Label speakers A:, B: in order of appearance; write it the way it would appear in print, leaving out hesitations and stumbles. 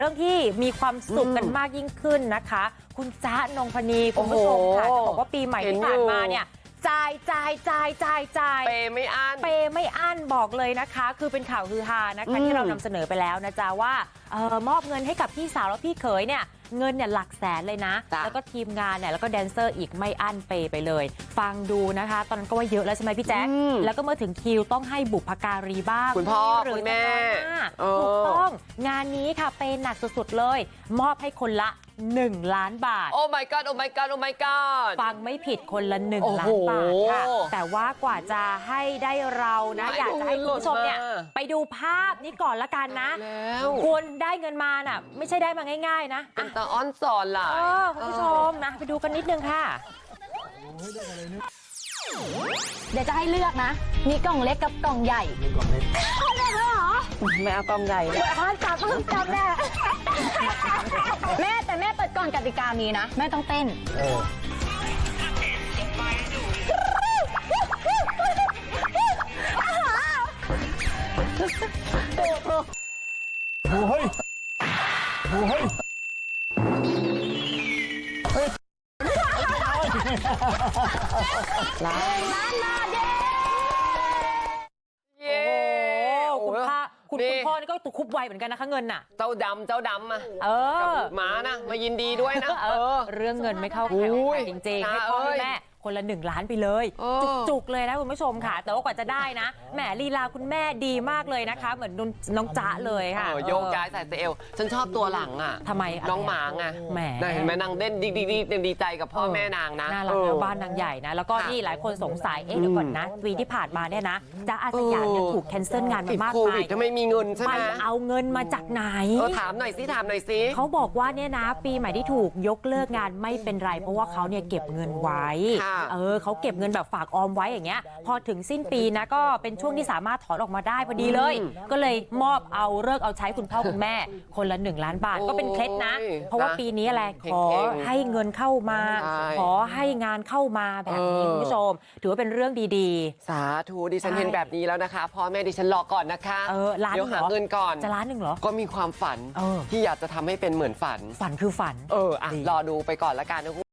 A: เรื่องที่มีความสุขกันมากยิ่งขึ้นนะคะคุณจ๊ะนงพนีคุณผู้ชมค่ะจะบอกว่าปีใหม่ที่ผ่านมาเนี่ยจ่ายเปย์ไม่อั้นบอกเลยนะคะคือเป็นข่าวฮือฮานะคะที่เรานำเสนอไปแล้วนะจ๊ะว่ามอบเงินให้กับพี่สาวและพี่เขยเนี่ยเงินเนี่ยหลักแสนเลยนะแล้วก็ทีมงานเนี่ยแล้วก็แดนเซอร์อีกไม่อั้นเปย์ไปเลยฟังดูนะคะตอนนั้นก็ว่าเยอะแล้วใช่ไหมพี่แจ๊คแล้วก็เมื่อถึงคิวต้องให้บุพการีบ้าง
B: คุณพ่อ
A: หรือ
B: คุณแม่
A: ถูกต้องงานนี้ค่ะเปย์หนักสุดๆเลยมอบให้คนละ1 ล้านบาท
B: โอ้ my god โอ้ my god โอ้ my god
A: ฟังไม่ผิดคนละ1 ล้านบาทค่ะแต่ว่ากว่าจะให้ได้เรานะอยากจะให้คุณผู้ชมเนี่ยไปดูภาพนี้ก่อนละกันนะคุณได้เงินมาน่ะไม่ใช่ได้มาง่ายๆนะ
B: เป็นตาอ้อนสอนล่ะ
A: คุณผู้ชมนะไปดูกันนิดนึงค่ะ
C: เดี๋ยวจะให้เลือกนะมีกล่องเล็กกับกล่องใหญ่มีกล่องเล็กเหรอ
A: ไม่เอากล่องใหญ่เลย
C: จับแม่แม่แต่แม่เปิดก่อนกติกามีนะแม่ต้องเต้น
D: โอ้ยโอ้ย
A: ล้านบาทเย้คุณพ่อนี่ก็ตุคุบไวเหมือนกันนะคะเงินน่ะ
B: เจ้าดำอ่ะกับหมานะมายินดีด้วยนะ
A: เรื่องเงินไม่เข้าใครออกใครจริงๆให้พ่อให้แม่คนละ1 ล้านไปเลยจุกๆเลยนะคุณผู้ชมค่ะแต่ว่ากว่าจะได้นะแหมลีลาคุณแม่ดีมากเลยนะคะเหมือนน้องจ๊ะเลยค่ะ
B: โยกย้ายใส่เอวฉันชอบตัวหลังอ่ะ
A: ทำไม
B: น้องหมาไง
A: แหม
B: เห็นไหมนางเด่นดีใจกับพ่อแม่นางนะ
A: น่ารักแล้วบ้านนางใหญ่นะแล้วก็นี่หลายคนสงสัยเดี๋ยวก่อนนะปีที่ผ่านมาเนี่ยนะจ๊ะอาสยามเนี่ยถูกแคนเซิลงานมามากมาย
B: ถ้าไม่มีเงินใช่ไหม
A: ไปเอาเงินมาจากไหน
B: ถามหน่อยสิ
A: เขาบอกว่าเนี่ยนะปีใหม่ที่ถูกยกเลิกงานไม่เป็นไรเพราะว่าเขาเนี่ยเก็บเงินไว้เขาเก็บเงินแบบฝากออมไว้อย่างเงี้ยพอถึงสิ้นปีนะก็เป็นช่วงที่สามารถถอนออกมาได้พอดีเลยก็เลยมอบเอาเลิกเอาใช้คุณพ่อคุณแม่คนละ1 ล้านบาทก็เป็นเคล็ดนะเพราะว่าปีนี้อะไรขอให้เงินเข้ามาขอให้งานเข้ามาแบบนี้คุณผู้ชมถือว่าเป็นเรื่องดี
B: ๆสาธุดิฉันเห็นแบบนี้แล้วนะคะพ่อแม่ดิฉันรอก่อนนะคะ
A: เดี๋ยว
B: หาเงินก่อน
A: จะ1 ล้านเหรอ
B: ก็มีความฝันที่อยากจะทำให้เป็นเหมือนฝัน
A: คือฝัน
B: รอดูไปก่อนละกันนะ